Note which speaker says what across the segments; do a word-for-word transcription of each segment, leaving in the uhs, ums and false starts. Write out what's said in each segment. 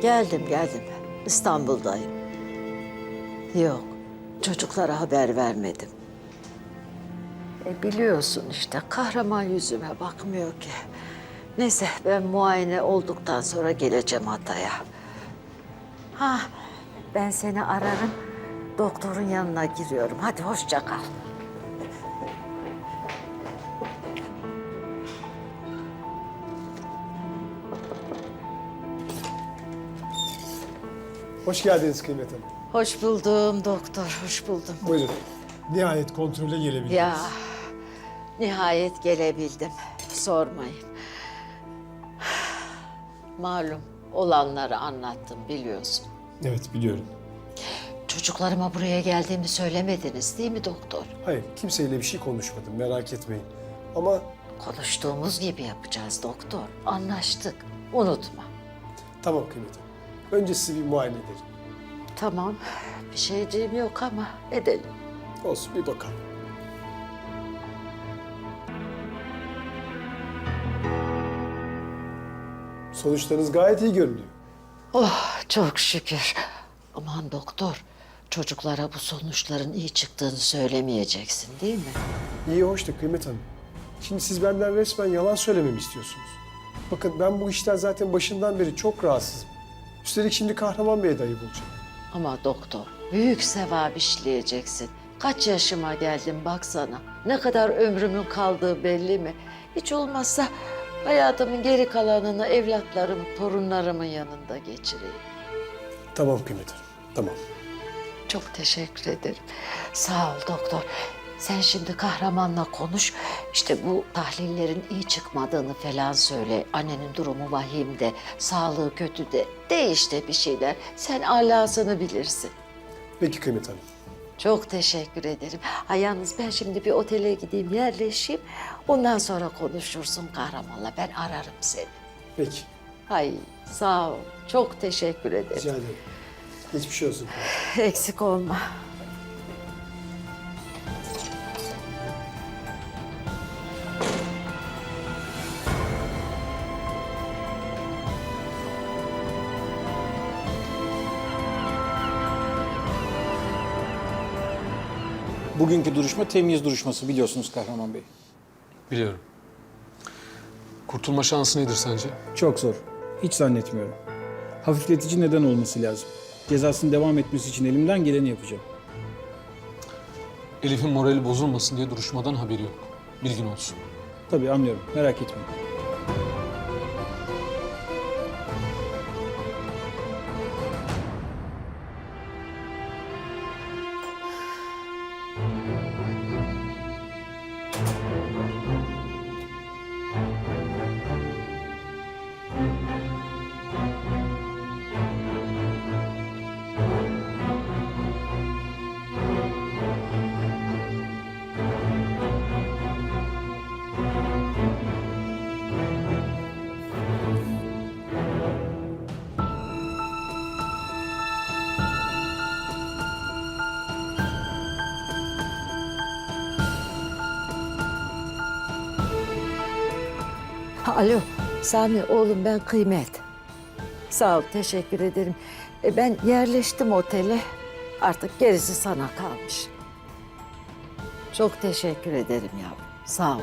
Speaker 1: Geldim, geldim. İstanbul'dayım. Yok, çocuklara haber vermedim. E biliyorsun işte, kahraman yüzüme bakmıyor ki. Neyse, ben muayene olduktan sonra geleceğim Hatay'a. Ha, ben seni ararım. Doktorun yanına giriyorum. Hadi hoşça kal.
Speaker 2: Hoş geldiniz Kıymet Hanım.
Speaker 1: Hoş buldum doktor, hoş buldum.
Speaker 2: Buyurun. Nihayet kontrole gelebildiniz.
Speaker 1: Ya, nihayet gelebildim. Sormayın. Malum olanları anlattım biliyorsun.
Speaker 2: Evet, biliyorum.
Speaker 1: Çocuklarıma buraya geldiğimi söylemediniz değil mi doktor?
Speaker 2: Hayır, kimseyle bir şey konuşmadım, merak etmeyin. Ama
Speaker 1: Konuştuğumuz gibi yapacağız doktor. Anlaştık. Unutma.
Speaker 2: tamam Kıymet Hanım. Önce sizi bir muayene edelim.
Speaker 1: Tamam. Bir şeyciğim yok ama edelim.
Speaker 2: Olsun, bir bakalım. Sonuçlarınız gayet iyi görünüyor.
Speaker 1: Oh çok şükür. Aman doktor. Çocuklara bu sonuçların iyi çıktığını söylemeyeceksin değil mi?
Speaker 2: İyi, hoş da Kıymet Hanım. Şimdi siz benden resmen yalan söylememi istiyorsunuz. Bakın ben bu işten zaten başından beri çok rahatsızım. Üstelik şimdi Kahraman Bey'e de ayıp olacak.
Speaker 1: Ama doktor, büyük sevap işleyeceksin. Kaç yaşıma geldim baksana. Ne kadar ömrümün kaldığı belli mi? Hiç olmazsa hayatımın geri kalanını evlatlarım, torunlarımın yanında geçireyim.
Speaker 2: Tamam Kıymet Hanım, tamam.
Speaker 1: Çok teşekkür ederim. Sağ ol doktor. Sen şimdi kahramanla konuş. İşte bu tahlillerin iyi çıkmadığını falan söyle. Annenin durumu vahim de, sağlığı kötü de. De işte bir şeyler. Sen alasını bilirsin.
Speaker 2: Peki Kıymet Hanım.
Speaker 1: Çok teşekkür ederim. Ha, yalnız ben şimdi bir otele gideyim, yerleşeyim. Ondan sonra konuşursun kahramanla. Ben ararım seni.
Speaker 2: Peki,
Speaker 1: Hay sağ ol. Çok teşekkür ederim.
Speaker 2: rica ederim. Geçmiş olsun.
Speaker 1: Eksik olma.
Speaker 3: Bugünkü duruşma temyiz duruşması biliyorsunuz Kahraman Bey.
Speaker 4: Biliyorum. Kurtulma şansı nedir sence?
Speaker 3: Çok zor. Hiç zannetmiyorum. Hafifletici neden olması lazım. Cezasının devam etmesi için elimden geleni yapacağım.
Speaker 4: Elif'in morali bozulmasın diye duruşmadan haberi yok. Bilgin olsun.
Speaker 3: Tabii anlıyorum. Merak etmeyin.
Speaker 1: Ha, alo, Sami oğlum ben Kıymet. Sağ ol, teşekkür ederim. E, ben yerleştim otele. Artık gerisi sana kalmış. Çok teşekkür ederim yavrum. Sağ ol.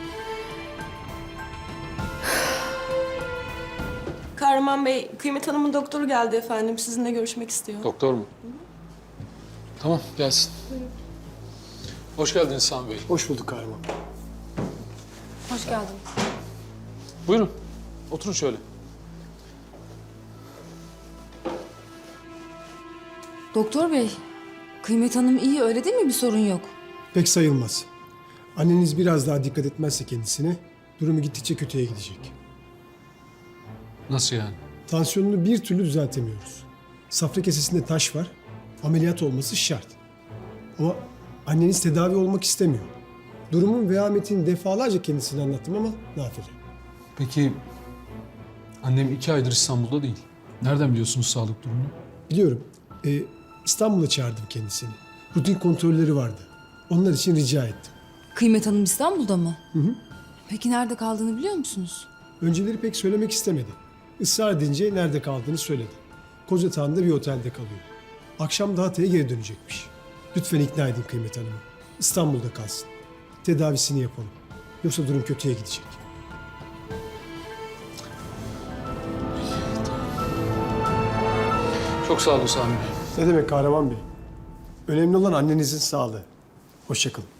Speaker 5: Kahraman Bey, Kıymet Hanım'ın doktoru geldi efendim. Sizinle görüşmek istiyor.
Speaker 4: Doktor mu? Tamam, gelsin. Hoş geldiniz Sami Bey.
Speaker 2: Hoş bulduk Kahraman.
Speaker 5: Hoş geldin.
Speaker 4: Buyurun, oturun şöyle.
Speaker 6: Doktor bey, Kıymet Hanım iyi öyle değil mi? Bir sorun yok.
Speaker 2: Pek sayılmaz. Anneniz biraz daha dikkat etmezse kendisine durumu gittikçe kötüye gidecek.
Speaker 4: Nasıl yani?
Speaker 2: Tansiyonunu bir türlü düzeltemiyoruz. Safra kesesinde taş var. Ameliyat olması şart. Ama anneniz tedavi olmak istemiyor. Durumun vehametini defalarca kendisine anlattım ama nafile.
Speaker 4: Peki, annem iki aydır İstanbul'da değil. Nereden biliyorsunuz sağlık durumunu?
Speaker 2: Biliyorum. Ee, İstanbul'a çağırdım kendisini. Rutin kontrolleri vardı. Onlar için rica ettim.
Speaker 6: Kıymet Hanım İstanbul'da mı? Hı hı. Peki nerede kaldığını biliyor musunuz?
Speaker 2: Önceleri pek söylemek istemedi. Israr edince nerede kaldığını söyledi. koz yatağında bir otelde kalıyor. Akşam da Hatay'a geri dönecekmiş. Lütfen ikna edin Kıymet Hanım'ı. İstanbul'da kalsın. Tedavisini yapalım. Yoksa durum kötüye gidecek.
Speaker 4: Çok sağ olun Sami Bey.
Speaker 2: Ne demek Kahraman Bey? Önemli olan annenizin sağlığı. Hoşça kalın.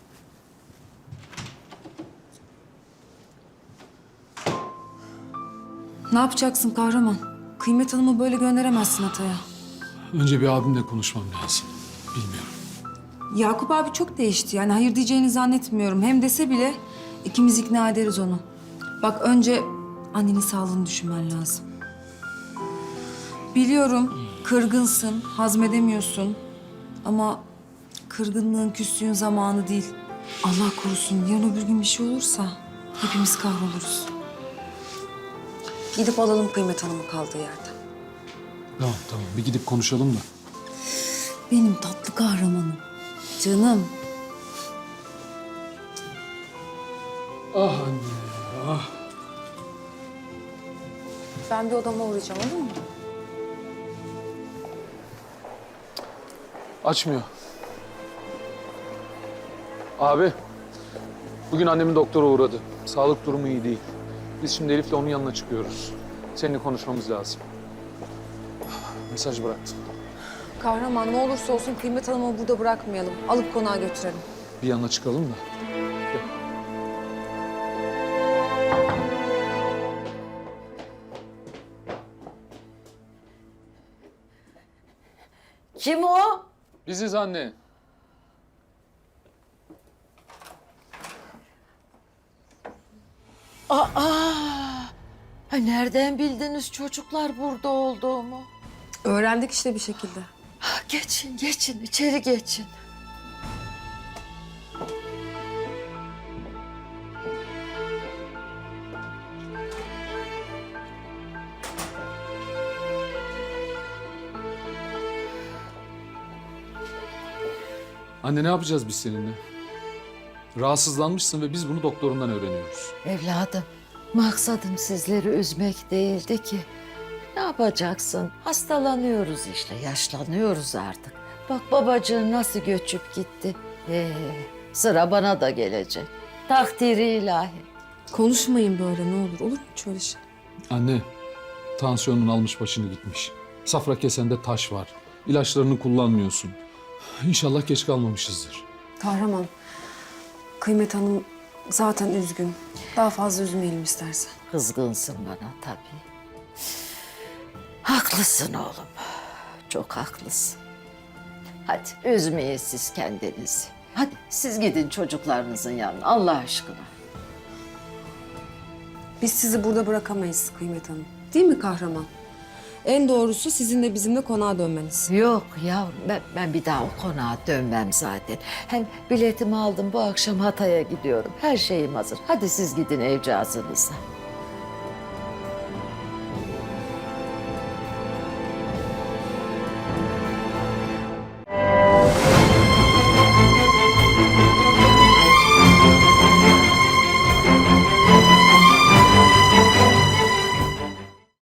Speaker 6: Ne yapacaksın kahraman? Kıymet Hanım'ı böyle gönderemezsin Hatay'a.
Speaker 4: Önce bir abimle konuşmam lazım. Bilmiyorum.
Speaker 6: Yakup abi çok değişti. Yani hayır diyeceğini zannetmiyorum. Hem dese bile ikimiz ikna ederiz onu. Bak önce annenin sağlığını düşünmen lazım. Biliyorum kırgınsın, hazmedemiyorsun. Ama kırgınlığın, küslüğün zamanı değil. Allah korusun yarın öbür gün bir şey olursa hepimiz kahroluruz. Gidip alalım Kıymet Hanım'ı kaldığı yerden.
Speaker 4: Tamam tamam bir gidip konuşalım da.
Speaker 6: Benim tatlı kahramanım. Canım.
Speaker 4: Ah anne ah.
Speaker 6: Ben bir odama uğrayacağım olur mu?
Speaker 4: Açmıyor. Abi, bugün annemin doktora uğradı. Sağlık durumu iyi değil. Biz şimdi Elif'le onun yanına çıkıyoruz. Seninle konuşmamız lazım. Mesaj bıraktım.
Speaker 6: Kahraman ne olursa olsun Kıymet Hanım'ı burada bırakmayalım. Alıp konağa götürelim.
Speaker 4: Bir yana çıkalım da. Gel.
Speaker 1: Kim o?
Speaker 4: Biziz anne.
Speaker 1: Aa! Ha, nereden bildiniz çocuklar burada olduğumu?
Speaker 6: Öğrendik işte bir şekilde.
Speaker 1: Ha, geçin, geçin, içeri geçin.
Speaker 4: Anne ne yapacağız biz seninle? Rahatsızlanmışsın ve biz bunu doktorundan öğreniyoruz.
Speaker 1: Evladım, maksadım sizleri üzmek değildi ki. Ne yapacaksın? Hastalanıyoruz işte, yaşlanıyoruz artık. Bak babacığın nasıl göçüp gitti. Ee, sıra bana da gelecek. Takdiri ilahi.
Speaker 6: Konuşmayın böyle ne olur. Olur mu hiç öyle şey?
Speaker 4: Anne, tansiyonun almış başını gitmiş. Safra kesende taş var. İlaçlarını kullanmıyorsun. İnşallah geç kalmamışızdır.
Speaker 6: Kahraman, Kıymet Hanım zaten üzgün. Daha fazla üzmeyelim istersen.
Speaker 1: Kızgınsın bana tabii. Haklısın oğlum. Çok haklısın. Hadi üzmeyin siz kendinizi. Hadi siz gidin çocuklarınızın yanına Allah aşkına.
Speaker 6: Biz sizi burada bırakamayız Kıymet Hanım. Değil mi kahraman? En doğrusu sizin de bizimle konağa dönmeniz.
Speaker 1: Yok yavrum ben, ben bir daha o konağa dönmem zaten. Hem biletimi aldım bu akşam Hatay'a gidiyorum. Her şeyim hazır. Hadi siz gidin evcazınıza.